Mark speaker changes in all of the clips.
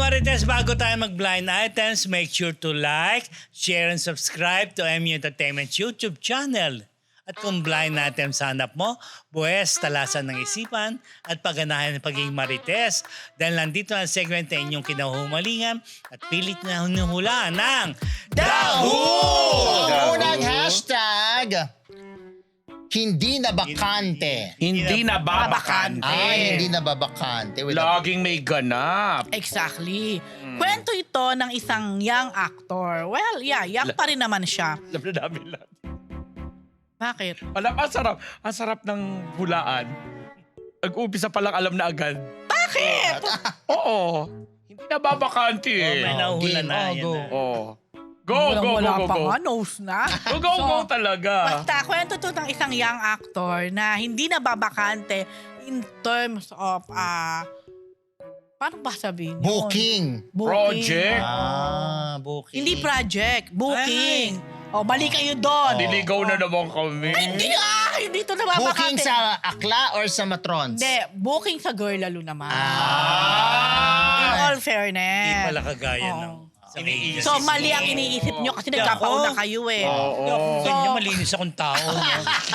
Speaker 1: Marites, bago tayo mag-blind items, make sure to like, share, and subscribe to MU Entertainment's YouTube channel. At kung blind items hanap mo, buwes, talasan ng isipan, at pagganahan ng pagiging Marites. Dahil nandito ang segment na inyong kinahumalingan at pilit na hinuhulaan ng
Speaker 2: Dahu!
Speaker 3: Dahu!
Speaker 2: Ang unang hashtag, hindi na bakante.
Speaker 3: Hindi na babakante.
Speaker 2: Hindi na babakante.
Speaker 3: Laging may ganap.
Speaker 4: Exactly. Kwento ito ng isang young actor. Well, yeah, young pa rin naman siya.
Speaker 3: Alam na namin lahat.
Speaker 4: Bakit?
Speaker 3: Alam, ang sarap. Ang sarap ng hulaan. Nag-umpisa pa lang alam na agad.
Speaker 4: Bakit?
Speaker 3: Oo. Hindi na babakante
Speaker 1: may
Speaker 3: eh.
Speaker 1: nahuhula na.
Speaker 2: game.
Speaker 1: Yan
Speaker 2: Go.
Speaker 1: na.
Speaker 3: Oo. Go, go, go,
Speaker 4: Wala
Speaker 3: go,
Speaker 4: pa
Speaker 3: go.
Speaker 4: nga, nose na.
Speaker 3: Go talaga.
Speaker 4: Basta, kwento to ng isang young actor na hindi na babakante in terms of, paano ba sabihin yun?
Speaker 2: Booking.
Speaker 3: Project.
Speaker 2: Booking.
Speaker 4: Hindi project, booking. O, mali kayo doon.
Speaker 3: Niligaw na naman kami.
Speaker 4: Hindi hindi to na
Speaker 2: Booking
Speaker 4: babakante.
Speaker 2: sa akla or sa matrons?
Speaker 4: Hindi, booking sa girl lalo naman. In
Speaker 2: Ah.
Speaker 4: all fairness.
Speaker 1: Hindi pala kagaya
Speaker 4: Oo.
Speaker 1: ng...
Speaker 3: Iniisip
Speaker 4: So, mali ang iniisip nyo kasi nagkapauna kayo eh.
Speaker 1: Hindi ako
Speaker 3: Oo.
Speaker 1: ganyan, malinis akong tao. No?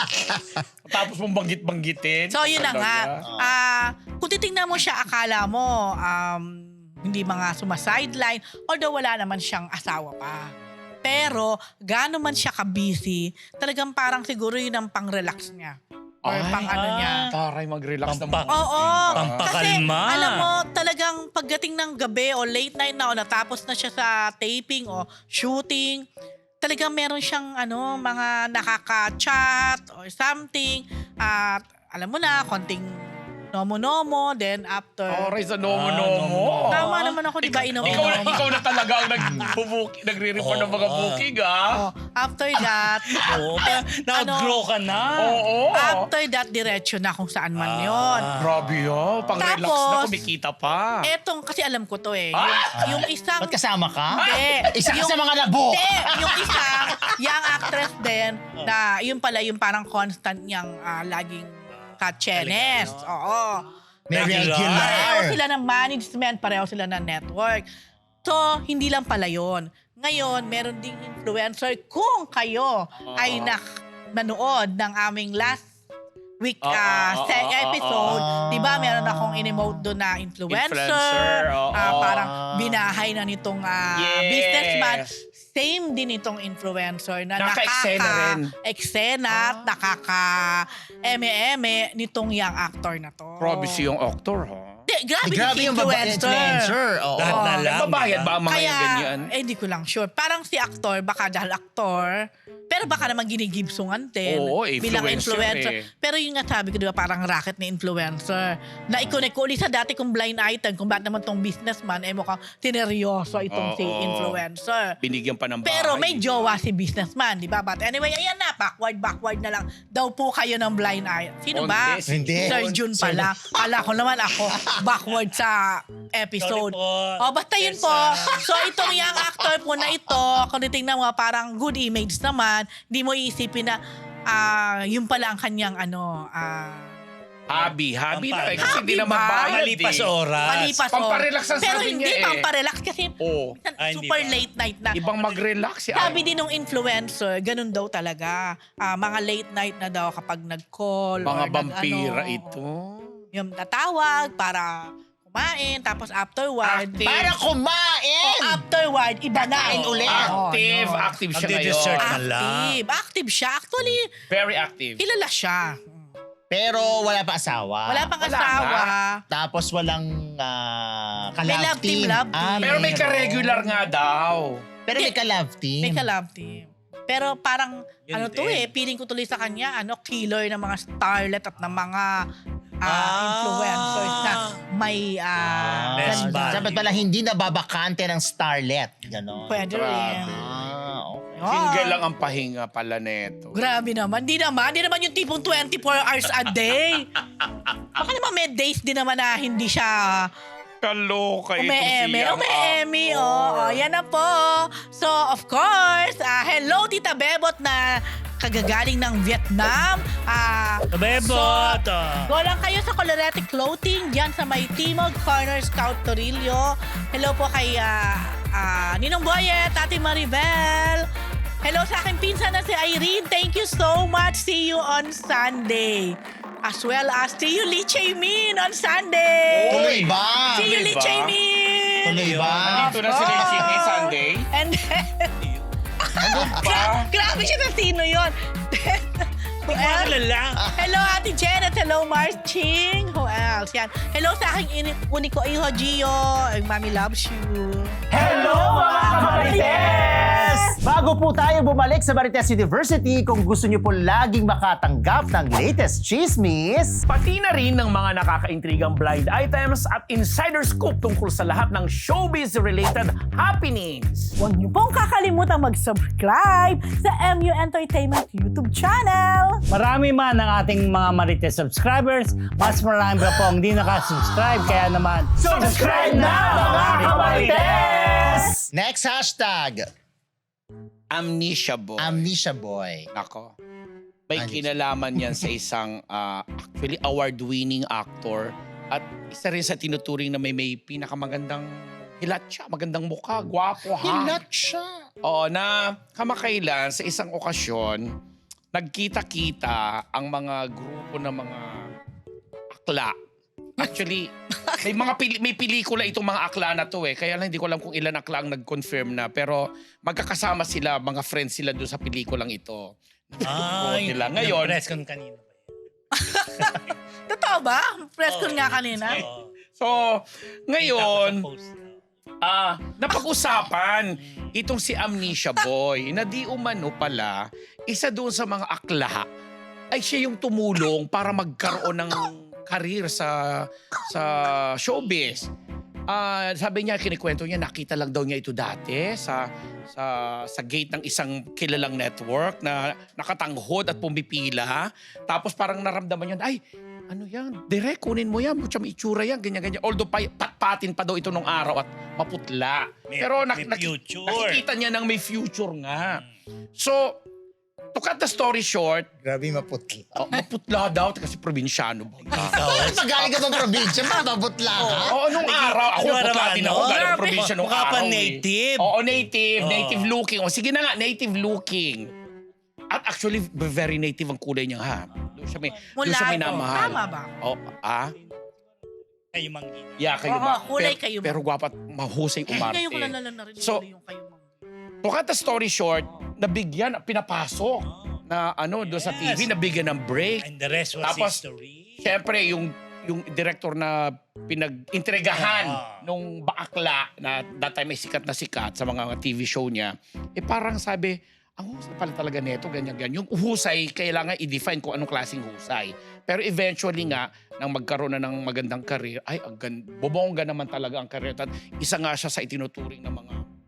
Speaker 3: Tapos mong banggit-banggitin.
Speaker 4: So, yun na nga.
Speaker 3: Talaga.
Speaker 4: Kung titingnan mo siya, akala mo, hindi mga sumasideline, although wala naman siyang asawa pa. Pero, gaano man siya ka-busy, talagang parang siguro yun ang pang-relax niya. Or
Speaker 3: Ay,
Speaker 4: pang ano niya.
Speaker 3: Taray, mag-relax
Speaker 1: Pampak-
Speaker 3: naman.
Speaker 4: Oo. Kasi,
Speaker 1: Pampakalma.
Speaker 4: alam mo, talagang pagdating ng gabi o late night na o natapos na siya sa taping o shooting, talagang meron siyang mga nakaka-chat or something. At alam mo na, konting nomo-nomo, then after...
Speaker 3: Taray sa nomo-nomo.
Speaker 4: Tama naman ako, di ba, inom-inom?
Speaker 3: Ikaw na talaga ang nagre-report ng mga booking,
Speaker 4: Oh, after that,
Speaker 1: Oo, nag-grow ka na.
Speaker 3: Oo.
Speaker 4: after that, diretso na kung saan man yon.
Speaker 3: Grabe yun. Pang-relax na,
Speaker 4: Tapos,
Speaker 3: kumikita pa.
Speaker 4: Etong, kasi alam ko to eh.
Speaker 3: Ah!
Speaker 4: Yung isang...
Speaker 2: Ba't kasama ka?
Speaker 4: Hindi.
Speaker 2: Isa ka
Speaker 4: Yung-
Speaker 2: sa mga nabook.
Speaker 4: Hindi, yung isang young actress din na yun pala yung parang constant niyang laging ka-chenes. Oo.
Speaker 2: May
Speaker 1: Regular.
Speaker 4: Pareho
Speaker 2: regular.
Speaker 4: sila ng management, pareho sila ng network. So, hindi lang pala yun. Ngayon, meron ding influencer. Kung kayo ay nanood ng aming last week episode, di ba meron akong in-emote doon na influencer,
Speaker 3: Influencer, oo.
Speaker 4: parang binahay na nitong
Speaker 3: Yes.
Speaker 4: businessman. Same din itong influencer na
Speaker 3: Naka-eksena rin.
Speaker 4: eksena at nakaka-eme-eme nitong young actor na to.
Speaker 3: Grabe siyang actor, ha?
Speaker 4: Grabe,
Speaker 2: Grabe yung influencer. Oo.
Speaker 1: Lahat na lang.
Speaker 3: Nagbabayad ba ang mga
Speaker 4: Kaya,
Speaker 3: yung ganyan?
Speaker 4: hindi ko lang sure. Parang si actor, baka dahil actor, pero baka naman ginigibsungan din.
Speaker 3: Oo,
Speaker 4: bilang
Speaker 3: influencer eh.
Speaker 4: Pero yung nga sabi ko, di ba, parang racket ni influencer. Na i-connect ko ulit sa dati kong blind item, kung bakit naman tong businessman, mukhang tineryoso itong si
Speaker 3: Oo.
Speaker 4: influencer.
Speaker 3: Binigyan pa ng bahay.
Speaker 4: Pero may jowa si businessman, di ba? But anyway, ayan na, backward na lang. Daw po kayo ng blind eye. Sino ba?
Speaker 3: Hindi,
Speaker 2: Hindi.
Speaker 4: Sir Jun pala. Kala ko naman ako backward sa episode.
Speaker 1: Sorry po.
Speaker 4: Basta yun po. So itong young actor po na ito, kung titingnan mo, parang good image naman, di mo iisipin na yun pala ang kanyang
Speaker 3: Hobby na eh. Kasi
Speaker 4: Hobby
Speaker 3: hindi naman
Speaker 4: ba?
Speaker 3: bayad
Speaker 1: Malipas
Speaker 3: eh.
Speaker 1: oras.
Speaker 4: malipas
Speaker 3: Pamparelax ang
Speaker 4: Pero
Speaker 3: sabi
Speaker 4: hindi
Speaker 3: niya eh.
Speaker 4: pamparelax kasi
Speaker 3: Oo.
Speaker 1: Hindi
Speaker 4: super
Speaker 1: ba?
Speaker 4: late night na.
Speaker 3: Ibang mag-relax siya.
Speaker 4: Sabi din ng influencer, ganun daw talaga. Mga late night na daw kapag nag-call.
Speaker 3: Mga
Speaker 4: or
Speaker 3: vampira
Speaker 4: nag-ano.
Speaker 3: ito.
Speaker 4: Yung tatawag para kumain, tapos afterward.
Speaker 3: Active.
Speaker 2: Para kumain!
Speaker 4: Afterward, iba na.
Speaker 2: Kakain ulit.
Speaker 3: Active.
Speaker 4: Oo,
Speaker 3: Active siya
Speaker 1: Magde-dessert
Speaker 3: ngayon.
Speaker 1: na lang.
Speaker 4: Active siya. Actually,
Speaker 3: Very active.
Speaker 4: kilala siya.
Speaker 2: Pero wala pa asawa.
Speaker 4: Wala pang
Speaker 3: Wala
Speaker 4: asawa.
Speaker 2: Tapos walang
Speaker 4: May
Speaker 2: ka-love
Speaker 4: love team,
Speaker 2: team.
Speaker 4: love team.
Speaker 3: Pero may ka-regular nga daw.
Speaker 2: Pero may ka-love team.
Speaker 4: May ka-love team. Pero parang,
Speaker 1: Yun
Speaker 4: to
Speaker 1: din.
Speaker 4: feeling ko tuloy sa kanya, killer ng mga starlet at ng mga influencers na may
Speaker 1: Less
Speaker 4: ganda.
Speaker 1: bad.
Speaker 2: Dapat pala hindi nababakante ng starlet. Ganon.
Speaker 4: Pwede rin.
Speaker 2: Okay.
Speaker 3: Single lang ang pahinga pala neto.
Speaker 4: Grabe naman. Di naman yung tipong 24 hours a day. Baka naman may days din naman na hindi siya
Speaker 3: Kaloka ito
Speaker 4: Ume-eme,
Speaker 3: siya.
Speaker 4: ume-eme, yan na po. So, of course, hello Tita Bebot na kagagaling ng Vietnam.
Speaker 1: Kabebot.
Speaker 4: Go lang kayo sa Colorete Clothing diyan sa may Timog Corner Scout Torillo. Hello po kay Ninong Boyet, Ate Maribel. Hello sa aking pinsan na si Irene. Thank you so much. See you on Sunday. As well as see you Lee Chae Min on Sunday.
Speaker 2: Tuloy ba?
Speaker 4: See you Lee Chae Min.
Speaker 2: Tuloy ba?
Speaker 3: Dito na si Lindsay kay Sunday.
Speaker 4: And then,
Speaker 3: Ano ba?
Speaker 4: grabe siya na sino yun. Who else? Hello, Ate Janet. Hello, Mars Ching. Who else? Yan. Hello sa aking uniko iho, Gio. Mommy loves you.
Speaker 5: Hello mga Marites! Bago po tayo bumalik sa Marites University, kung gusto niyo po laging makatanggap ng latest chismis,
Speaker 6: Pati na rin ng mga nakakaintrigang blind items at insider scoop tungkol sa lahat ng showbiz-related happenings.
Speaker 7: Huwag niyo pong kakalimutan mag-subscribe sa MU Entertainment YouTube channel.
Speaker 1: Marami man ang ating mga Marites subscribers, mas marami pa po ang hindi nakasubscribe. Kaya naman,
Speaker 5: subscribe na mga Marites!
Speaker 2: Next hashtag.
Speaker 3: Amnesia boy.
Speaker 2: Amnesia boy.
Speaker 3: Nako. May
Speaker 2: Ano?
Speaker 3: kinalaman yan sa isang actually award-winning actor at isa rin sa tinuturing na may pinakamagandang hilat siya, magandang mukha, gwapo ha.
Speaker 2: Hilat siya.
Speaker 3: Oo, na kamakailan sa isang okasyon, nagkita-kita ang mga grupo ng mga akla. Actually, may pelikula itong mga akla na to eh. Kaya lang hindi ko alam kung ilan akla ang nag-confirm na. Pero magkakasama sila, mga friends sila doon sa pelikulang ito.
Speaker 1: ay,
Speaker 3: nila. Ngayon,
Speaker 1: press con kanina.
Speaker 4: Totoo ba? Press ko nga kanina.
Speaker 3: so, ngayon,
Speaker 1: Post.
Speaker 3: napag-usapan itong si Amnesia Boy na di umano pala, isa doon sa mga akla ay siya yung tumulong para magkaroon ng career sa showbiz. Sabi niya, kinikwento niya, nakita lang daw niya ito dati sa gate ng isang kilalang network na nakatanghod at pumipila. Tapos parang naramdaman niya, ay, ano yan? Direk, kunin mo yan. Mucha may itsura yan, ganyan-ganyan. Although patpatin pa daw ito nung araw at maputla. Pero
Speaker 1: may future.
Speaker 3: nakikita niya ng may future nga. So, to cut the story short,
Speaker 2: Grabe maputla.
Speaker 3: maputla daw kasi probinsyano ba?
Speaker 2: Magaling ka bang probinsya? Mababutla ka?
Speaker 3: Oo, nung araw. Ako,
Speaker 1: Ano
Speaker 3: putla din ako.
Speaker 1: ano?
Speaker 3: Galing
Speaker 1: Grabe.
Speaker 3: probinsya nung
Speaker 1: Mukha pa
Speaker 3: araw.
Speaker 1: native.
Speaker 3: Oo, native.
Speaker 1: Oo.
Speaker 3: Native looking. O, sige na nga, native looking. At actually, very native ang kulay niya ha. Doon siya may, doon siya may
Speaker 4: Mulato.
Speaker 3: namahal.
Speaker 4: Tama ba?
Speaker 3: Oh,
Speaker 1: Kayo manggina.
Speaker 3: Yeah, kayo
Speaker 4: Oo,
Speaker 3: ba?
Speaker 4: kulay
Speaker 3: pero,
Speaker 4: kayo.
Speaker 3: Pero gwapat, mahusay umarte.
Speaker 4: Ngayon ko na narinig
Speaker 3: So,
Speaker 4: yung kayo.
Speaker 3: to cut the story short, nabigyan, pinapasok na doon sa TV, nabigyan ng break.
Speaker 1: And the rest was
Speaker 3: Tapos,
Speaker 1: history.
Speaker 3: Siyempre, yung director na pinag-intregahan nung bakla na that time ay sikat na sikat sa mga TV show niya, parang sabi, ang husay pala talaga neto, ganyan-ganyan. Yung husay, kailangan i-define kung anong klaseng husay. Pero eventually nga, nang magkaroon na ng magandang career, ay, bobongga naman talaga ang career. At isa nga siya sa itinuturing ng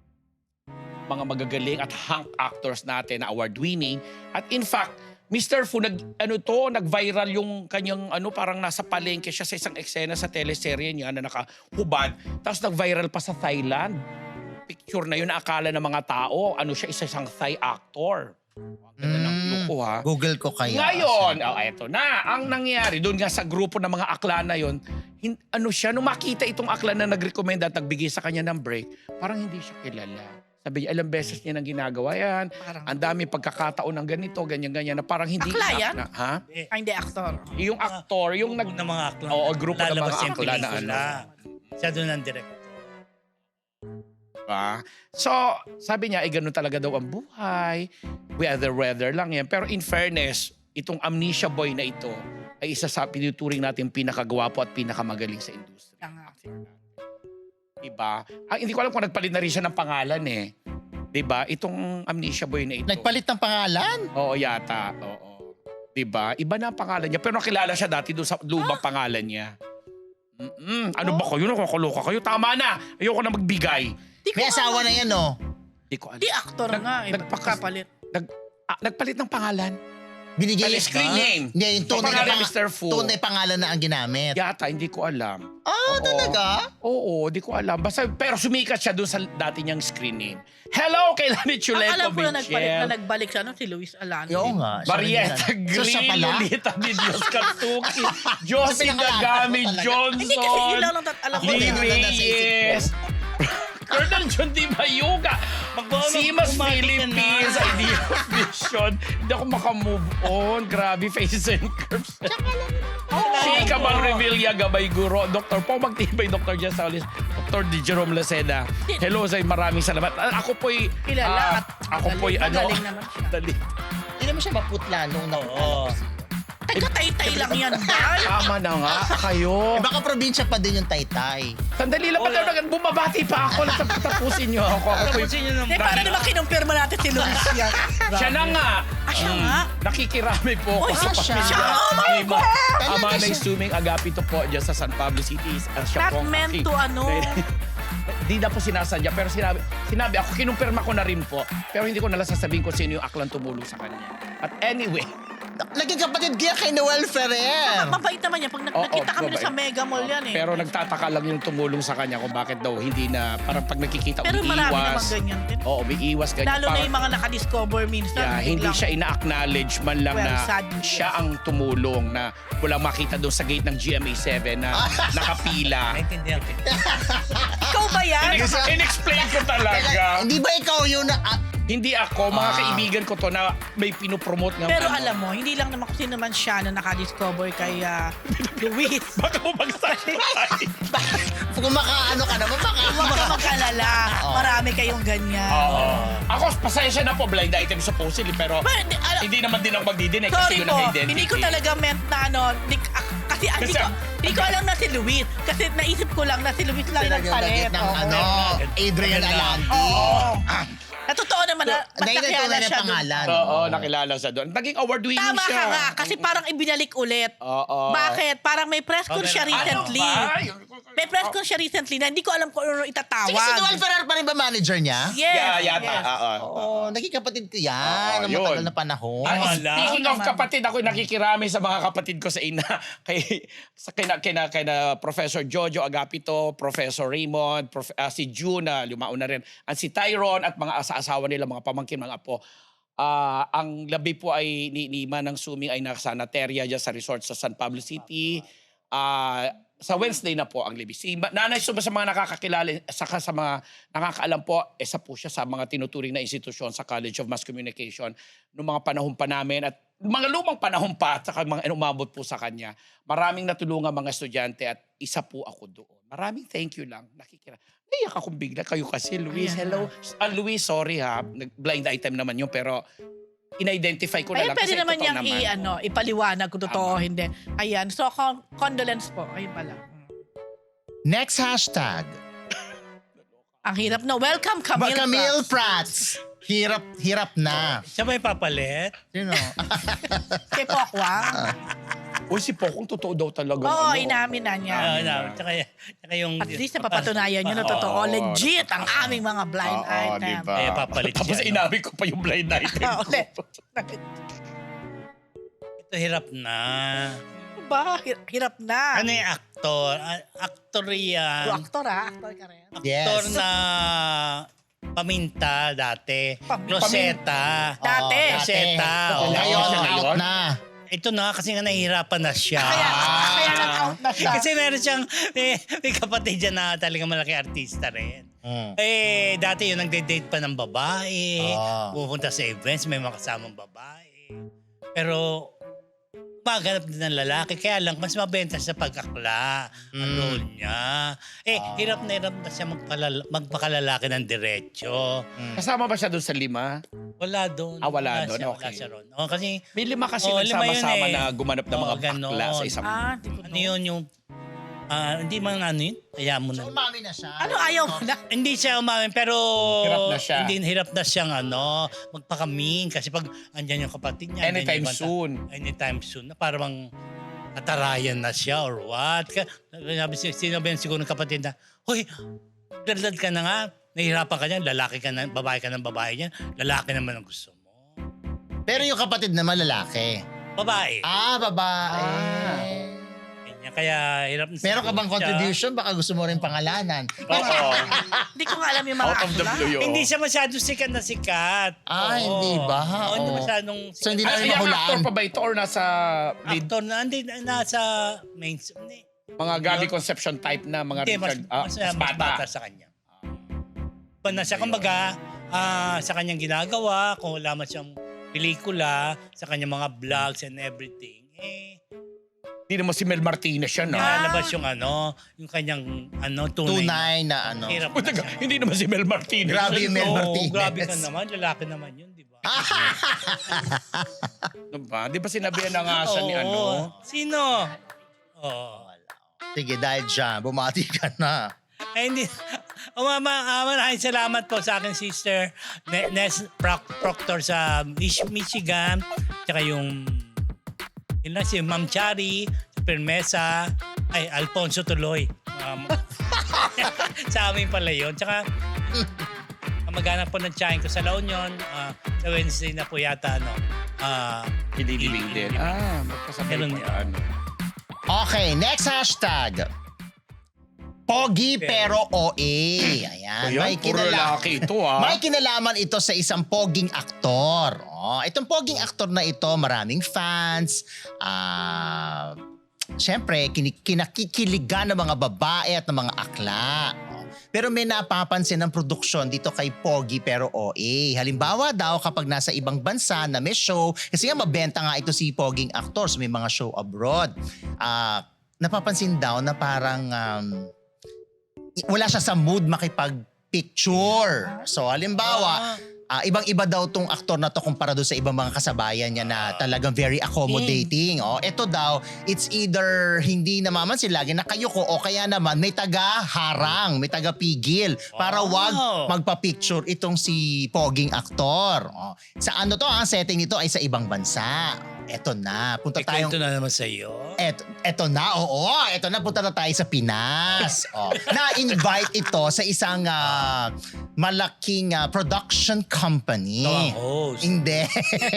Speaker 3: mga magagaling at hunk actors natin na award-winning. At in fact, Mr. Fu, nag-viral yung kanyang parang nasa palengke siya sa isang eksena sa teleserye niya na nakahubad. Tapos nag-viral pa sa Thailand. Picture na yun na akala ng mga tao, isang Thai actor. Ang ganda ng look ko ha.
Speaker 2: Google ko kaya.
Speaker 3: Ngayon, eto na. Ang nangyari, doon nga sa grupo ng mga akla na yun, nung makita itong akla na nag-recommend at nagbigay sa kanya ng break, parang hindi siya kilala. Sabi niya, ilang beses niya nang ginagawa yan. Ang dami pagkakataon ng ganito, ganyan-ganyan, na parang hindi...
Speaker 4: Akla yan?
Speaker 3: Ha?
Speaker 4: Hindi, actor.
Speaker 3: Yung aktor, yung
Speaker 1: Grupo ng mga akla.
Speaker 3: Oo, grupo ng
Speaker 1: Lalabas
Speaker 3: mga
Speaker 1: yung
Speaker 3: akla na
Speaker 1: pelikula. Siya doon ang director.
Speaker 3: So, sabi niya, ganun talaga daw ang buhay. Weather lang yan. Pero in fairness, itong Amnesia Boy na ito ay isa sa pinuturing natin pinakagwapo at pinakamagaling sa industriya. Diba? Hindi ko alam kung nagpalit na rin siya ng pangalan eh. Diba? Itong Amnesia Boy na ito.
Speaker 2: Nagpalit ng pangalan?
Speaker 3: Oo, yata. Oo. Diba? Iba na ang pangalan niya. Pero nakilala siya dati doon sa lubang pangalan niya. Ano ba kayo? Nakakaloka kayo? Tama na! Ayoko na magbigay.
Speaker 2: May asawa na yan, no?
Speaker 3: Di ko alam.
Speaker 4: Di actor nga.
Speaker 3: nagpakas-
Speaker 4: Kapalit.
Speaker 3: Nagpalit ng pangalan.
Speaker 2: Binigay
Speaker 3: Ano, screen name?
Speaker 2: Hindi, yung tunay na,
Speaker 3: Pangalan, Mr. Fu.
Speaker 2: tunay pangalan na ang ginamit.
Speaker 3: Yata, hindi ko alam.
Speaker 2: Ah,
Speaker 3: Oo.
Speaker 2: talaga?
Speaker 3: Oo, di ko alam. Basta, pero sumikat siya doon sa dati niyang screen name. Hello kay Lani
Speaker 4: Ang
Speaker 3: Chuleco
Speaker 4: alam ko na
Speaker 3: Michel.
Speaker 4: nagbalik siya, si Luis Alano.
Speaker 2: Oo nga. siya
Speaker 3: Marietta
Speaker 2: rin yan. So, siya
Speaker 3: Green,
Speaker 2: pala?
Speaker 3: Lolita Di Dios Katsuki, Josie
Speaker 2: pinangalan
Speaker 3: Dagami
Speaker 2: ko talaga.
Speaker 3: Johnson,
Speaker 4: Hindi kasi yun lang alam ko.
Speaker 2: Hindi,
Speaker 3: Lee
Speaker 2: wala na sa isip ko.
Speaker 3: Reyes, Colonel John Di Mayuga, Simas Philippines, Idea of Vision. Hindi ako makamove on. Grabe, faces and curves. Shika Bang Revilla, Gabay Guro, Dr. Pong Magtibay, Dr. Jess Saulis, Dr. Di Jerome Laceda. Hello, Zay, maraming salamat. Ako po'y...
Speaker 4: Kilala at
Speaker 3: ako po'y
Speaker 4: magaling naman siya.
Speaker 3: Dali.
Speaker 2: Hindi naman siya maputla nung
Speaker 1: Oo.
Speaker 4: Taga-tay-tay lang yan, Bal.
Speaker 3: Tama na nga, kayo.
Speaker 2: Eh, baka probinsya pa din yung Taytay.
Speaker 3: Sandali lang, pati bumabati pa ako. Tapusin niyo ako. Ako po'y...
Speaker 1: Tapusin nyo ng
Speaker 4: Hindi, para naman kinumpirma natin si Luis yan.
Speaker 3: Siya na nga.
Speaker 4: Siya nga?
Speaker 3: Nakikirami po ako
Speaker 4: Oy,
Speaker 3: sa
Speaker 2: siya.
Speaker 3: pamilya.
Speaker 4: Oh my
Speaker 3: Ni Ma-
Speaker 2: Talaga
Speaker 3: Amanay
Speaker 2: siya.
Speaker 3: Suming Agapito po dyan sa San Pablo City. Siya
Speaker 4: Not
Speaker 3: po ang
Speaker 4: meant
Speaker 3: aking-
Speaker 4: to ano.
Speaker 3: Di na po sinasadya, pero sinabi ako, kinumpirma ko na rin po. Pero hindi ko nalang sasabihin kung sino yung aklang tumulong sa kanya. At anyway,
Speaker 2: Naging kapatid kaya kay Noel Ferrer.
Speaker 4: Mabait naman yan. Pag nakita kami
Speaker 3: mabait.
Speaker 4: sa Mega Mall yan eh.
Speaker 3: pero nagtataka lang yung tumulong sa kanya kung bakit daw hindi na, parang pag nakikita,
Speaker 4: Pero marami naman
Speaker 3: umiiwas.
Speaker 4: ganyan din.
Speaker 3: Oo, umiiwas ganyan.
Speaker 4: Lalo na
Speaker 3: Parang-
Speaker 4: yung mga nakadiscover minsan.
Speaker 3: Yeah, hindi
Speaker 4: biglang-
Speaker 3: siya ina-acknowledge man lang
Speaker 4: Well,
Speaker 3: na
Speaker 4: sad.
Speaker 3: siya ang tumulong na walang makita doon sa gate ng GMA7 na nakapila.
Speaker 1: Naintindihan ko.
Speaker 4: Ikaw ba yan?
Speaker 3: In-explain ko talaga.
Speaker 2: Hindi ba ikaw yun na...
Speaker 3: Hindi ako, mga kaibigan ko to na may pinopromote ng
Speaker 4: Pero
Speaker 3: ano.
Speaker 4: alam mo, hindi lang naman kasi naman siya na nakadiscover kay Luis.
Speaker 3: Baka bumagsak tayo.
Speaker 2: Kung makaano ka naman,
Speaker 4: Huwag ka mag-alala. Marami kayong ganyan.
Speaker 3: Oo. Ako, pasensya na po, blind item supposedly, pero
Speaker 4: But,
Speaker 3: hindi naman din ako magdidinig kasi
Speaker 4: Sorry
Speaker 3: yun
Speaker 4: po,
Speaker 3: ang identity.
Speaker 4: hindi ko talaga meant na ano, kasi hindi ko alam na si Luis. Kasi naisip ko lang na si Luis lang yung
Speaker 2: Pinag-bagit
Speaker 4: palit.
Speaker 2: ng
Speaker 4: Oo.
Speaker 2: ano, Adrian Alanti.
Speaker 4: Oo. Na totoo naman na mas
Speaker 2: Dahil
Speaker 4: nakilala
Speaker 2: tunay na
Speaker 4: siya doon.
Speaker 2: pangalan.
Speaker 3: Oo, nakilala sa doon. Naging award-winning
Speaker 4: Tama
Speaker 3: siya.
Speaker 4: ka nga, kasi parang ibinalik ulit.
Speaker 3: Oo.
Speaker 4: Bakit? Parang may press con
Speaker 1: Okay.
Speaker 4: siya recently.
Speaker 3: Ano ba?
Speaker 4: May press con siya recently na hindi ko alam kung ano itatawag.
Speaker 2: Sige, si Noel Ferrer pa rin ba manager niya?
Speaker 4: Yes.
Speaker 3: Yeah, yata.
Speaker 4: yes.
Speaker 3: Oo.
Speaker 2: Oo, naging kapatid ko yan.
Speaker 3: Oo,
Speaker 2: Ang
Speaker 3: yun.
Speaker 2: matagal na panahon.
Speaker 3: Ay,
Speaker 1: Wala.
Speaker 3: speaking of
Speaker 4: Naman.
Speaker 3: kapatid, ako nakikirami sa mga kapatid ko sa ina. Kina Professor Jojo Agapito, Professor Raymond, si June, lumao na rin. At si Tyron at mga asawa nila, mga pamangkin, mga apo. Ang labi po ay ni Manang Suming ay nasa Nateria dyan sa resort sa San Pablo City. Sa Wednesday na po ang libi. Si Nanay Suma sa mga nakakakilala, saka sa mga nakakaalam po, isa po siya sa mga tinuturing na institusyon sa College of Mass Communication noong mga panahon pa namin at mga lumang panahon pa at saka mga umabot po sa kanya. Maraming natulungan mga estudyante at isa po ako doon. Maraming thank you lang. Nakikira. Naiyak akong bigla. Kayo kasi, Luis. Hello. Luis, sorry ha. Blind item naman yun pero in-identify ko na
Speaker 4: Ay,
Speaker 3: lang
Speaker 4: pwede
Speaker 3: kasi
Speaker 4: naman
Speaker 3: totoo
Speaker 4: niyang
Speaker 3: naman.
Speaker 4: ipaliwanag kung totoo o
Speaker 3: Tama.
Speaker 4: hindi. Ayan. So, condolence po. Ayun pala.
Speaker 2: Next hashtag.
Speaker 4: Ang hirap na. Welcome, Camille.
Speaker 2: Camille
Speaker 4: Prats.
Speaker 2: Prats. Hirap na.
Speaker 1: Siya ba yung papalit?
Speaker 2: Sino?
Speaker 4: Kay Pokwang.
Speaker 3: Uy, si Pokong totoo daw talaga.
Speaker 4: Oo,
Speaker 3: ano.
Speaker 4: inamin na niya.
Speaker 1: Tsaka yung...
Speaker 4: At least napapatunayan niyo na totoo. Legit ang aming mga blind
Speaker 3: Oo,
Speaker 4: item.
Speaker 3: diba?
Speaker 1: Eh, papalit siya,
Speaker 3: Tapos
Speaker 1: no?
Speaker 3: inamin ko pa yung blind item
Speaker 4: Ah,
Speaker 3: ko.
Speaker 4: ulit.
Speaker 1: Ito hirap na.
Speaker 4: Ba? Hirap na.
Speaker 1: Ano yung actor? Actor yan.
Speaker 4: Aktor Aktor ka rin.
Speaker 1: Actor
Speaker 2: Yes.
Speaker 1: na paminta dati.
Speaker 4: Pam-
Speaker 1: Closeta.
Speaker 4: Dati.
Speaker 1: Closeta.
Speaker 3: Oo.
Speaker 1: Oo.
Speaker 2: Ngayon,
Speaker 3: siya ngayon?
Speaker 2: out na.
Speaker 1: Ito na kasi nga nahihirapan na siya.
Speaker 4: Kaya nag-out na siya.
Speaker 1: Kasi meron siyang, may kapatid dyan na talagang malaki artista rin. Dati yun, nagde-date pa ng babae. Pupunta sa events, may mga kasamang babae. Pero, maganap din ng lalaki. Kaya lang, mas mabenta sa pagkakla ang role niya. Hirap na siya magpakalalaki ng diretsyo.
Speaker 3: Kasama ba siya doon sa 5?
Speaker 1: Wala doon.
Speaker 3: Wala doon,
Speaker 1: siya,
Speaker 3: okay.
Speaker 1: Wala siya ron. Kasi,
Speaker 3: May 5 kasi
Speaker 1: Oo, 5 yun
Speaker 3: nagsama-sama
Speaker 1: eh.
Speaker 3: na gumanap ng mga
Speaker 1: Oo, ganon.
Speaker 3: bakla sa isang...
Speaker 4: Di ko
Speaker 1: ano yun yung... hindi man ano yun? Kaya mo na.
Speaker 2: So, umami na siya.
Speaker 4: Ano ayaw mo na?
Speaker 1: Hindi siya umamin, pero...
Speaker 3: Hirap na siya.
Speaker 1: Hindi, hirap na siyang magpakamin. Kasi pag andyan yung kapatid niya... andyan
Speaker 3: Anytime
Speaker 1: yung ibang
Speaker 3: soon.
Speaker 1: Anytime soon. Na parang katarayan na siya or what. Sinabihan siguro ng kapatid na, Hoy, dadad ka na nga. Nahihirapan ka niyan. Lalaki ka na, babae ka ng babae niyan. Lalaki naman ang gusto mo.
Speaker 2: Pero yung kapatid naman lalaki.
Speaker 1: Babae.
Speaker 2: Babae.
Speaker 1: Ganyan. Kaya hirap na
Speaker 2: Meron ka bang
Speaker 1: siya.
Speaker 2: contribution? Baka gusto mo rin pangalanan.
Speaker 3: Oo.
Speaker 4: Hindi ko nga alam yung mga
Speaker 3: Out of the
Speaker 4: akla.
Speaker 3: blue yun.
Speaker 1: Hindi siya masyado sikat na sikat. Oo.
Speaker 2: Hindi ba?
Speaker 1: Oo, hindi
Speaker 2: Oo.
Speaker 1: masyadong
Speaker 2: So, hindi
Speaker 3: Ay,
Speaker 2: namin
Speaker 3: yung
Speaker 2: mahulaan.
Speaker 3: actor pa ba ito or nasa lead?
Speaker 1: actor na, hindi, nasa main, hindi,
Speaker 3: Mga Gabby Concepcion type na mga
Speaker 1: hindi, mas,
Speaker 3: Richard
Speaker 1: mas bata sa kanya. Pa na siya, kumbaga, sa kanyang ginagawa, kung wala man siyang pelikula, sa kanyang mga vlogs and everything,
Speaker 3: Hindi naman si Mel Martinez siya, no?
Speaker 1: nalabas yung yung kanyang tunay.
Speaker 2: Tunay na ano.
Speaker 1: Hirap
Speaker 3: Puta
Speaker 1: na
Speaker 3: ka,
Speaker 1: siya.
Speaker 3: hindi naman si Mel Martinez.
Speaker 2: Grabe yung Mel
Speaker 1: Oo,
Speaker 2: Martinez.
Speaker 1: grabe ka naman. Lalaki naman yun, di ba?
Speaker 3: Ano ba? Di ba sinabihan na nga siya ni
Speaker 1: Oo.
Speaker 3: ano?
Speaker 1: Sino? Oo.
Speaker 2: Sige, dahil dyan, bumati ka na.
Speaker 1: Ay, hindi. Maraming salamat po sa aking sister, Nes Proctor sa Michigan. Tsaka yung si Ma'am Chari, si Permesa, Alfonso Tuloy. Sa amin pala yun. Tsaka, maghanap po ng tsahin ko sa La Union. Sa Wednesday na po yata,
Speaker 3: Ililibing din. Magkasabay
Speaker 1: Ganun
Speaker 3: pa
Speaker 1: yan.
Speaker 3: yan.
Speaker 2: Okay, next hashtag. Pogi pero OA. Ayan.
Speaker 3: Ayan, puro lalaki ito,
Speaker 2: May kinalaman ito sa isang poging aktor. Itong poging aktor na ito, maraming fans. Siyempre, kinakikiligan ng mga babae at ng mga akla. Pero may napapansin ng produksyon dito kay Pogi pero OA. Halimbawa daw kapag nasa ibang bansa na may show, kasi nga mabenta nga ito si poging actors, may mga show abroad. Napapansin daw na parang wala siya sa mood makipag-picture. So halimbawa, ibang-iba daw tong aktor na to kumpara doon sa ibang mga kasabayan niya na talagang very accommodating. Ito daw, it's either hindi namamansin lagi nakayuko o kaya naman may taga-harang, may taga-pigil para wag magpa-picture itong si poging aktor. Sa ano to, ang setting nito ay sa ibang bansa. Eto na, punta tayong...
Speaker 1: Ito na naman sa iyo.
Speaker 2: Eto na, eto na, punta na tayo sa Pinas. Na-invite ito sa isang malaking production company.
Speaker 1: Ito ang host.
Speaker 2: Hindi.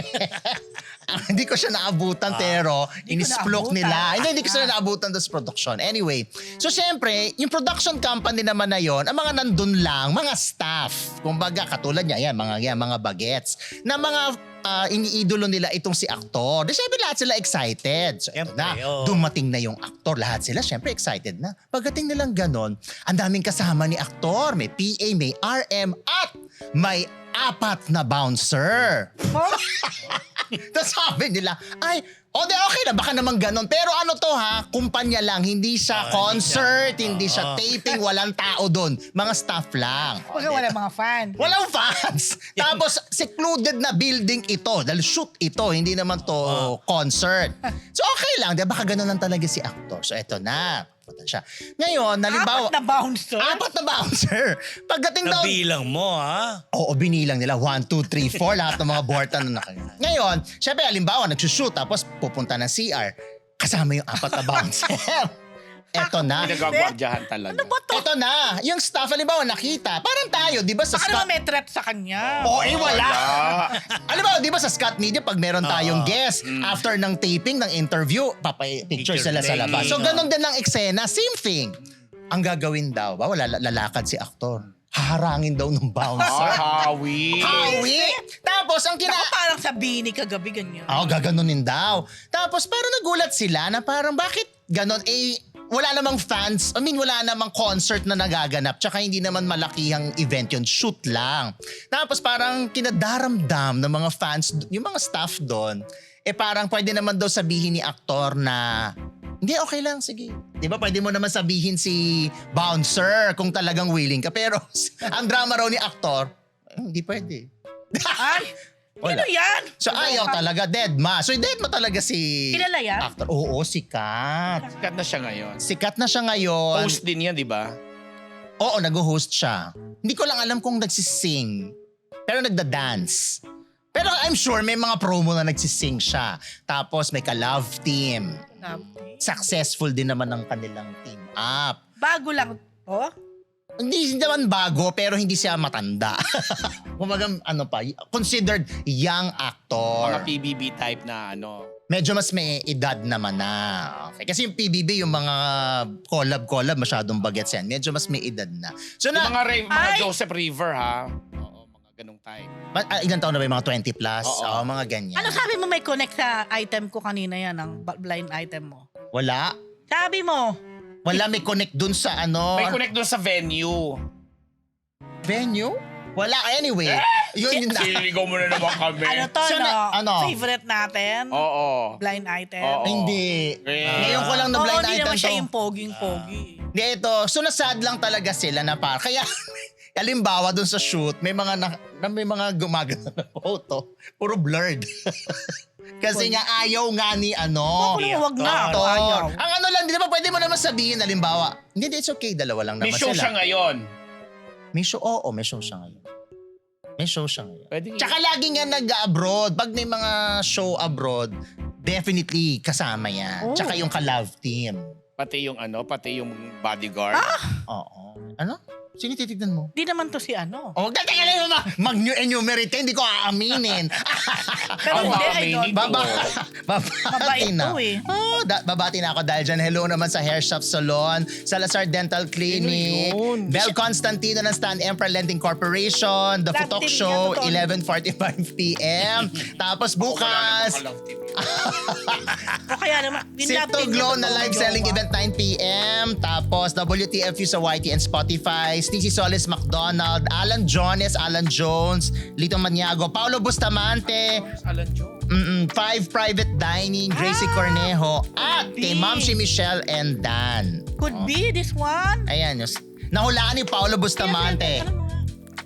Speaker 2: Hindi ko siya naabutan pero inisplok nila. Hindi ko siya naabutan doon sa production. Anyway, so syempre, yung production company naman na yon, ang mga nandun lang, mga staff. Kumbaga, katulad niya, mga bagets, na mga iniidolo nila itong si aktor. Di syempre lahat sila excited. So ito na, dumating na yung aktor. Lahat sila syempre excited na. Pagdating nilang ganon, ang daming kasama ni aktor. May PA, may RM, at may 4 na bouncer. Tapos sabi nila, okay na, baka naman ganon. Pero ano to kumpanya lang, hindi siya concert, hindi siya taping, walang tao doon. Mga staff lang.
Speaker 4: Kasi wala mga fan.
Speaker 2: Walang fans. Tapos secluded na building ito. Dahil shoot ito, hindi naman to concert. So okay lang, di ba? Baka ganon lang talaga si actor. So eto na. Punta siya. Ngayon, halimbawa...
Speaker 4: 4 na bouncer?
Speaker 2: 4 na bouncer. Pagdating daw...
Speaker 1: Nabilang mo,
Speaker 2: Oo, binilang nila. 1, 2, 3, 4. Lahat ng mga borta na nakagano. Ngayon, syempre, halimbawa, nagsushoot. Tapos pupunta ng CR. Kasama yung 4 na bouncer. Eto na.
Speaker 3: Pinagagwardyahan talaga.
Speaker 4: Ano ba to?
Speaker 2: Eto na. Yung staff, halimbawa, nakita. Parang tayo, di ba sa
Speaker 4: Baka
Speaker 2: Scott...
Speaker 4: naman may threat sa kanya.
Speaker 2: Wala. Halimbawa, di ba sa Scott Media, pag meron tayong guest, after ng taping, ng interview, picture sila sa labas. So, ganun din ang eksena. Same thing. Ang gagawin daw, wala lalakad si aktor. Haharangin daw ng bouncer.
Speaker 3: Hawi.
Speaker 2: Tapos, ang
Speaker 4: Ako parang sa Bini kagabi ganyan.
Speaker 2: gaganunin daw. Tapos, parang nagulat sila na parang bakit ganon? Wala namang fans, wala namang concert na nagaganap. Tsaka hindi naman malakihang event yun, shoot lang. Tapos parang kinadaramdam ng mga fans, yung mga staff doon, parang pwede naman daw sabihin ni aktor na, hindi, okay lang, sige. Di ba, pwede mo naman sabihin si bouncer kung talagang willing ka. Pero ang drama raw ni aktor, hindi pwede.
Speaker 4: Ano yan?
Speaker 2: So ayaw talaga, deadma. So deadma talaga si
Speaker 4: Kilala yan?
Speaker 2: actor. Oo, sikat.
Speaker 3: Sikat na siya ngayon.
Speaker 2: Sikat na siya ngayon.
Speaker 3: Host din yan, di ba?
Speaker 2: Oo, nag-host siya. Hindi ko lang alam kung nagsising. Pero nagda-dance. Pero I'm sure may mga promo na nagsising siya. Tapos may ka-love team. Successful din naman ang kanilang team up.
Speaker 4: Bago lang to?
Speaker 2: Hindi naman bago pero hindi siya matanda. Kumbaga, considered young actor.
Speaker 3: Mga PBB type na
Speaker 2: Medyo mas may edad naman na. Okay. Kasi yung PBB, yung mga collab, masyadong bagets yan. Medyo mas may edad na. So
Speaker 3: Yung mga
Speaker 4: Ay!
Speaker 3: Joseph River ha. Oo, mga ganong type.
Speaker 2: ilan taon na ba yung mga 20 plus?
Speaker 3: Oo.
Speaker 2: Mga ganyan.
Speaker 4: Ano sabi mo may connect sa item ko kanina yan, ang blind item mo?
Speaker 2: Wala.
Speaker 4: Sabi mo,
Speaker 2: Wala may connect dun sa
Speaker 3: May connect doon sa venue.
Speaker 2: venue? Wala. Anyway. Yun na.
Speaker 3: Siligaw mo na naman kami.
Speaker 4: ano to,
Speaker 2: So, ano?
Speaker 4: favorite natin?
Speaker 3: Oo.
Speaker 4: Blind item?
Speaker 3: Oo.
Speaker 2: Hindi. Ngayon ko lang na
Speaker 4: Oo,
Speaker 2: blind
Speaker 4: hindi
Speaker 2: item
Speaker 4: naman siya
Speaker 2: to.
Speaker 4: yung poging-pogi.
Speaker 2: Hindi, ito. So, nasad lang talaga sila na kaya, halimbawa dun sa shoot, may mga gumagana na photo. Puro blurred. Kasi nga ayaw nga ni
Speaker 4: Ako naman, wag na.
Speaker 2: actor.
Speaker 4: Ayaw.
Speaker 2: Ang lang, di ba pwede mo naman sabihin, halimbawa, hindi, it's okay, dalawa lang
Speaker 3: May
Speaker 2: naman
Speaker 3: show siya
Speaker 2: sila.
Speaker 3: ngayon.
Speaker 2: May show, oo, may show siya ngayon. May show siya ngayon.
Speaker 3: Pwede
Speaker 2: Tsaka lagi nga nag-abroad. Pag may mga show abroad, definitely kasama yan.
Speaker 4: Oh.
Speaker 2: Tsaka yung ka-love team.
Speaker 3: pati yung bodyguard.
Speaker 2: Oo. Ano? Sino titignan mo?
Speaker 4: Di naman to si ano.
Speaker 2: Oh, teka lang mag-enumerate, hindi ko aaminin.
Speaker 4: Pero hindi,
Speaker 3: aminin
Speaker 4: idol.
Speaker 3: ko.
Speaker 2: Babati
Speaker 4: Mabait
Speaker 2: na.
Speaker 4: to eh.
Speaker 2: Oh, babati na ako dahil dyan. Hello naman sa Hair Shop Salon, Salazar Dental Clinic,
Speaker 3: Sino yun?
Speaker 2: Bel Constantino ng Stan Emperor Lending Corporation, The
Speaker 4: Love
Speaker 2: Futok
Speaker 4: team
Speaker 2: Show,
Speaker 4: niya, totoo.
Speaker 2: 11:45 p.m. Tapos bukas,
Speaker 4: O kaya naman,
Speaker 2: Sip to Glow na live selling event 9 p.m. Tapos WTFU sa YT and Spotify, Sneezy Solis McDonald, Alan Jones, Alan Jones, Lito Maniago, Paulo Bustamante,
Speaker 3: Alan Joe.
Speaker 2: Five Private Dining, Gracie Cornejo, at kay Ma'am si Michelle and Dan.
Speaker 4: Could be this one.
Speaker 2: Ayan, nahulaan ni Paulo Bustamante.
Speaker 4: Alam mo nga.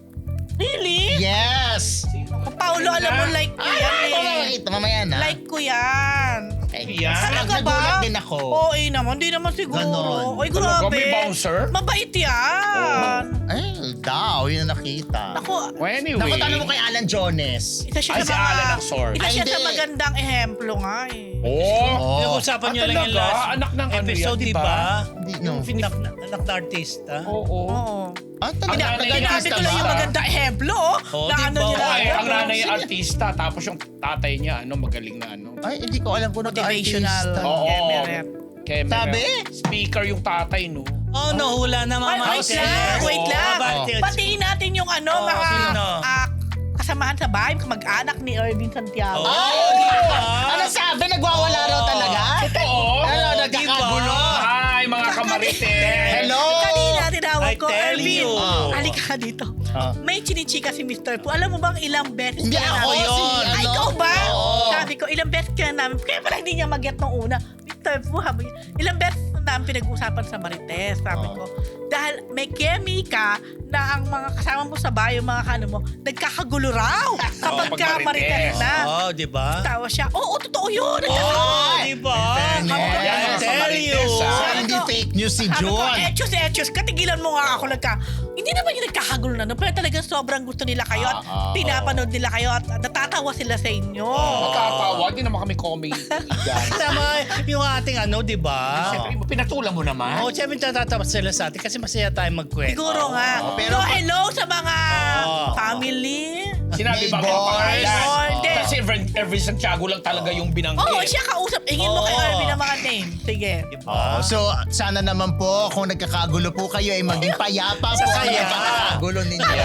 Speaker 4: Really?
Speaker 2: Yes!
Speaker 4: Paulo, alam mo, like ko yan eh.
Speaker 2: Mamaya na.
Speaker 4: Like ko yan.
Speaker 3: Yan?
Speaker 4: Talaga ba?
Speaker 2: Nagulat din ako.
Speaker 4: Oo, naman. Di naman siguro.
Speaker 2: Ganon.
Speaker 4: Oy,
Speaker 3: Talaga,
Speaker 4: grabe.
Speaker 3: may bouncer?
Speaker 4: Mabait yan.
Speaker 2: Ay, daw, yun ang nakita.
Speaker 4: Ako,
Speaker 3: Well, anyway.
Speaker 2: Naku, tanong mo kay Alan Jones.
Speaker 4: isa siya
Speaker 3: Ay,
Speaker 4: sa
Speaker 3: si
Speaker 4: mga...
Speaker 3: Alan ng sword.
Speaker 4: Isa
Speaker 2: Ay,
Speaker 4: siya sa
Speaker 2: hindi.
Speaker 4: magandang ehemplo nga eh.
Speaker 3: Oh.
Speaker 1: Pinag-usapan nyo lang yung
Speaker 3: talaga?
Speaker 1: last
Speaker 3: Anak ng ano
Speaker 1: episode,
Speaker 3: yan,
Speaker 1: di
Speaker 3: diba?
Speaker 1: ba?
Speaker 2: Hindi, no.
Speaker 1: Anak na artista.
Speaker 3: Oo.
Speaker 4: Oo.
Speaker 2: Ah, talaga?
Speaker 3: Ang nanay
Speaker 4: Sinabi
Speaker 3: artista
Speaker 4: ko lang yung
Speaker 3: ba?
Speaker 4: magandang ehemplo, oh.
Speaker 1: Oo,
Speaker 4: Na
Speaker 1: di
Speaker 4: ano
Speaker 1: ba?
Speaker 4: nila.
Speaker 3: Ay, ang
Speaker 4: ano,
Speaker 3: nanay
Speaker 4: sige.
Speaker 3: artista, tapos yung tatay niya, magaling na
Speaker 2: Ay, hindi ko alam kung
Speaker 4: Motivational.
Speaker 2: nag-artista.
Speaker 3: Oo.
Speaker 4: Emeret.
Speaker 3: Camera.
Speaker 2: Sabi?
Speaker 3: Speaker yung tatay, no?
Speaker 1: Oh, nahula na mga
Speaker 4: Ay, wait
Speaker 1: Marites.
Speaker 4: lang, wait lang.
Speaker 1: Marites.
Speaker 4: Batiin natin yung ano,
Speaker 1: Oh,
Speaker 4: mga
Speaker 1: sino?
Speaker 4: kasamahan sa bahay, mag-anak ni Irvin Santiago.
Speaker 1: Oh, di ba?
Speaker 2: Ano sabi? Nagwawala raw talaga?
Speaker 3: Oo.
Speaker 2: Ano,
Speaker 1: di
Speaker 2: nagkakagulo?
Speaker 3: Hi, mga kamarites.
Speaker 2: Hello?
Speaker 4: Kanina tinawag
Speaker 1: I
Speaker 4: ko,
Speaker 1: tell
Speaker 4: Irvin,
Speaker 1: you.
Speaker 4: halika ka dito.
Speaker 2: Ah.
Speaker 4: May chinichika si Mr. Pu. Alam mo bang ilang beses
Speaker 2: Hindi
Speaker 4: ka
Speaker 2: ako
Speaker 4: namin-
Speaker 2: yun.
Speaker 4: Ay,
Speaker 2: Ano?
Speaker 4: ikaw ba?
Speaker 2: Oo.
Speaker 4: Sabi ko, ilang beses ka namin. Kaya pala hindi niya mag-get nung una. Mr. Pu, ilang beses namin pinag-usapan sa Marites. Sabi ko, dahil may chemica na ang mga kasama mo sa bayo, mga kano mo, nagkakagulo raw kapag
Speaker 3: pag
Speaker 4: ka
Speaker 3: Marites.
Speaker 4: Marites na.
Speaker 1: Oh, di ba?
Speaker 4: Tawa siya, oo, totoo yun.
Speaker 1: Oh, di ba?
Speaker 2: Fairness.
Speaker 1: I
Speaker 3: Yan,
Speaker 1: tell
Speaker 3: mga
Speaker 1: you.
Speaker 3: Marites, ah.
Speaker 2: So, hindi fake news si
Speaker 4: Sabi ko,
Speaker 2: John.
Speaker 4: Etchos, katigilan mo nga ako. Hindi naman yung nagkakagulo na, no? Pero talagang sobrang gusto nila kayo at pinapanood nila kayo at natatawa sila sa inyo.
Speaker 3: Matatawa, hindi naman kami comedy. Yan.
Speaker 1: Tama yung ating ano, di ba?
Speaker 3: Siyempre, pinatulan mo naman.
Speaker 1: Oh, siyempre natatawa sila sa atin kasi masaya tayo magkwento.
Speaker 4: Siguro nga.
Speaker 2: pero
Speaker 4: So, hello sa mga
Speaker 1: Oo.
Speaker 4: family.
Speaker 3: Sinabi ba
Speaker 2: Neighbors.
Speaker 3: mga pangalan?
Speaker 4: Or hindi.
Speaker 3: Kasi Every Santiago lang talaga yung binanggit.
Speaker 4: Oo, siya kausap. Ingin mo kay
Speaker 1: Oo.
Speaker 4: Irvin ang mga name. Sige.
Speaker 1: Di ba?
Speaker 2: So, sana naman po, kung nagkakagulo po kayo, ay maging payapa po ang
Speaker 1: Sasaya.
Speaker 2: nagkakagulo ninyo.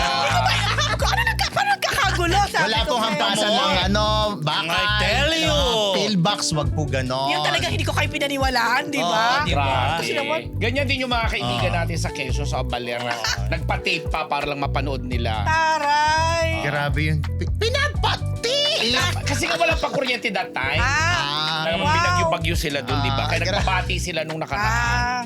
Speaker 4: Paano nagkakagulo? Sabi
Speaker 2: Wala
Speaker 4: ko
Speaker 2: pong
Speaker 4: kayo.
Speaker 2: hampasan ng bakal.
Speaker 1: I tell you.
Speaker 2: Pillbox, wag po ganon.
Speaker 4: Yung talagang hindi ko kayo pinaniwalaan, di ba?
Speaker 1: di ba?
Speaker 3: Grabe.
Speaker 4: Kasi naman-
Speaker 3: Ganyan din yung mga kaibigan natin sa Quezon, sa Balera. Nagpa-tape pa para lang mapanood nila.
Speaker 4: Taray.
Speaker 2: Grabe yun. Pinapati!
Speaker 3: Kasi nga walang pa kuryente that time.
Speaker 2: Ah,
Speaker 4: Wow.
Speaker 3: Binagyo-bagyo sila doon, di ba? Kaya
Speaker 2: grabe.
Speaker 3: nagpapati sila nung nakaraan.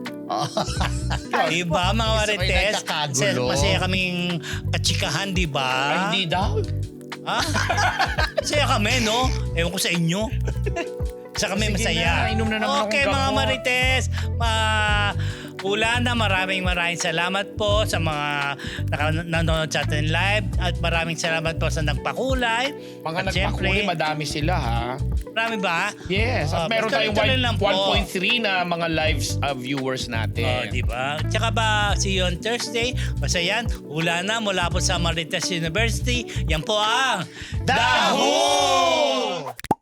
Speaker 1: Di ba, mga
Speaker 2: Gusto ko yung
Speaker 1: Marites?
Speaker 2: nagkakagulo.
Speaker 1: Masaya kaming katsikahan, di ba?
Speaker 3: Ay, hindi daw.
Speaker 1: Ha? Masaya kami, no? Ewan ko sa inyo. Sa kami
Speaker 3: Sige
Speaker 1: masaya.
Speaker 3: na, inom na naman akong
Speaker 1: Okay, mga
Speaker 3: gamot.
Speaker 1: Marites. Hula na, maraming salamat po sa mga nanonood sa atin live at maraming salamat po sa nagpakulay.
Speaker 3: Mga
Speaker 1: At syempre,
Speaker 3: nagpakuli, madami sila ha.
Speaker 1: marami ba?
Speaker 3: Yes, at meron tayong
Speaker 1: tuloy-tuloy lang po.
Speaker 3: 1.3 na mga live viewers natin.
Speaker 1: Di ba? Tsaka ba, see you on Thursday. Basta yan, hula na mula po sa Marites University. Yan po ang
Speaker 2: Daho!